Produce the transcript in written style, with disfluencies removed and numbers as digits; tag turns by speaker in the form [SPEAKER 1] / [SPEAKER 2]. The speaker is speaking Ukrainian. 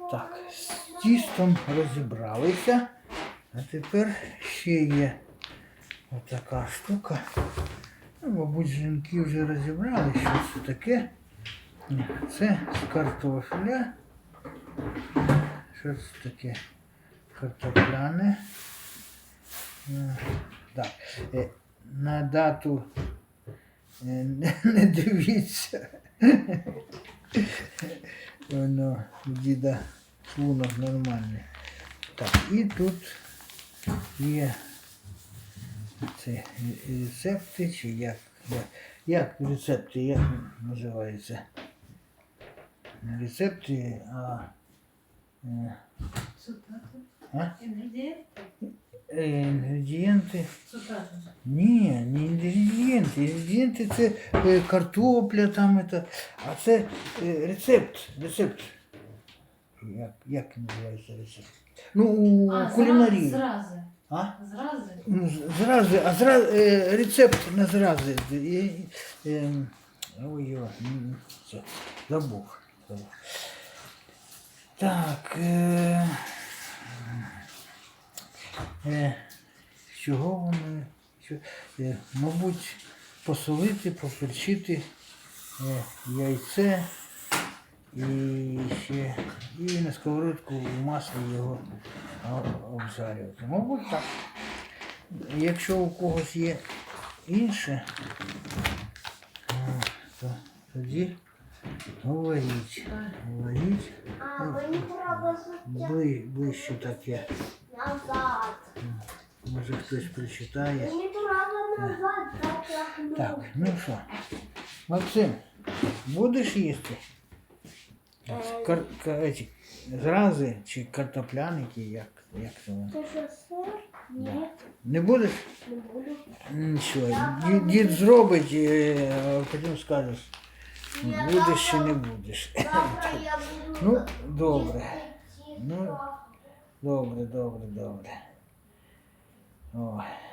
[SPEAKER 1] Так, з тістом розібралися. А тепер ще є отака штука. Ну, мабуть, жінки вже розібрали, що це таке. Це з картофеля. Що це таке? Картопляне. Так. На дату не дивіться. Воно у діда шлунок нормальний. Так, і тут є це рецепти, чи як рецепти, як називається? Не рецепти, а інгредієнти. Ні, не інгредієнти. Інгредієнти це картопля там, а це рецепт. Як називається рецепт? Ну, у кулінарії.
[SPEAKER 2] Зрази.
[SPEAKER 1] А?
[SPEAKER 2] Зрази?
[SPEAKER 1] Ну, рецепт на зрази. Ой, все, забув. Так, з чого вони? Мабуть, посолити, поперчити яйце і ще і на сковородку в маслі його обжарювати. Мабуть, так. Якщо у когось є інше, то тоді говоріть.
[SPEAKER 3] А мені треба
[SPEAKER 1] Ближче таке.
[SPEAKER 3] назад.
[SPEAKER 1] Може хтось прочитає.
[SPEAKER 3] Мені треба назад, так як
[SPEAKER 1] Так, ну що, Максим, будеш їсти? Зрази чи картопляники, як це воно?
[SPEAKER 3] Це що, сир? Ні,
[SPEAKER 1] Не будеш?
[SPEAKER 3] не буду.
[SPEAKER 1] Нічого, дід зробить, а потім скажеш, будеш чи не будеш.
[SPEAKER 3] Завтра я буду
[SPEAKER 1] Ну, добре.
[SPEAKER 3] їсти
[SPEAKER 1] Ну,
[SPEAKER 3] тісто.
[SPEAKER 1] Добре. Ой.